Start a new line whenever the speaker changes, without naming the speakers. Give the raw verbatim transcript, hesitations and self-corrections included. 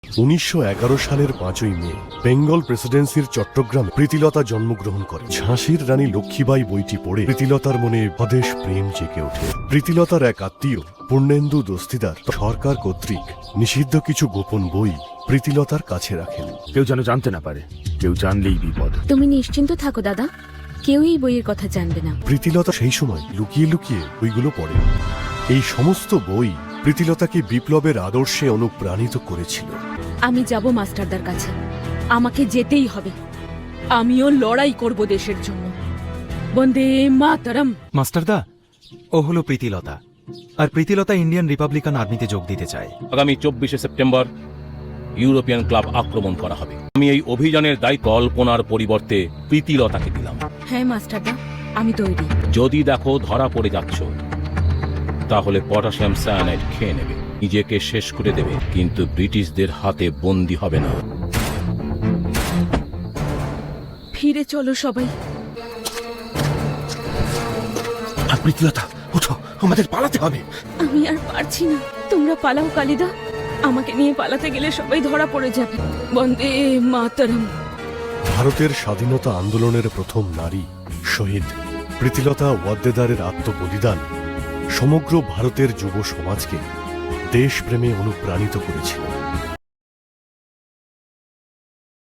উনিশশো এগারো সালের পাঁচই মে বেঙ্গল প্রেসিডেন্সির চট্টগ্রামে প্রীতিলতা জন্মগ্রহণ করে। ঝাঁসির রানী লক্ষ্মীবাই বইটি পড়ে প্রীতিলতার মনে অদেশ প্রেম জেগে ওঠে। প্রীতিলতার এক আত্মীয় পূর্ণেন্দু দস্তিদার সরকার কর্তৃক নিষিদ্ধ কিছু গোপন বই প্রীতিলতার কাছে রাখেন।
কেউ যেন জানতে না পারে, কেউ জানলেই বিপদ।
তুমি নিশ্চিন্ত থাকো দাদা, কেউ এই বইয়ের কথা জানবে না।
প্রীতিলতা সেই সময় লুকিয়ে লুকিয়ে বইগুলো পড়ে। এই সমস্ত বই প্রীতিলতাকে বিপ্লবের আদর্শে অনুপ্রাণিত করেছিল।
আমি যাব মাস্টারদার কাছে, আমাকে যেতেই হবে। আমিও লড়াই করব দেশের জন্য। বন্দে মাতরম।
মাস্টারদা, ও হলো প্রীতিলতা, আর প্রীতিলতা ইন্ডিয়ান রিপাবলিকান আর্মিতে যোগ দিতে চায়।
আগামী চব্বিশে সেপ্টেম্বর ইউরোপিয়ান ক্লাব আক্রমণ করা হবে। আমি এই অভিযানের দায়িত্ব কল্পনার পরিবর্তে প্রীতিলতাকে দিলাম।
হ্যাঁ মাস্টারদা, আমি তৈরি।
যদি দেখো ধরা পড়ে যাচ্ছ, তাহলে পটাশিয়াম সায়ানাইড খেয়ে নেবে, নিজেকে শেষ করে দেবে, কিন্তু ব্রিটিশদের হাতে বন্দী হবে না।
ফিরে চলো সবাই।
আর প্রীতিলতা, ওঠো, আমাদের পালাতে হবে।
আমি আর পারছি না। তোমরা পালাও কালিদা, আমাকে নিয়ে পালাতে গেলে সবাই ধরা পড়ে যাবে। বন্দে মাতরম।
ভারতের স্বাধীনতা আন্দোলনের প্রথম নারী শহীদ প্রীতিলতা ওয়াদ্দেদারের আত্মবলিদান সমগ্র ভারতের যুব সমাজকে দেশপ্রেমে অনুপ্রাণিত করেছিল।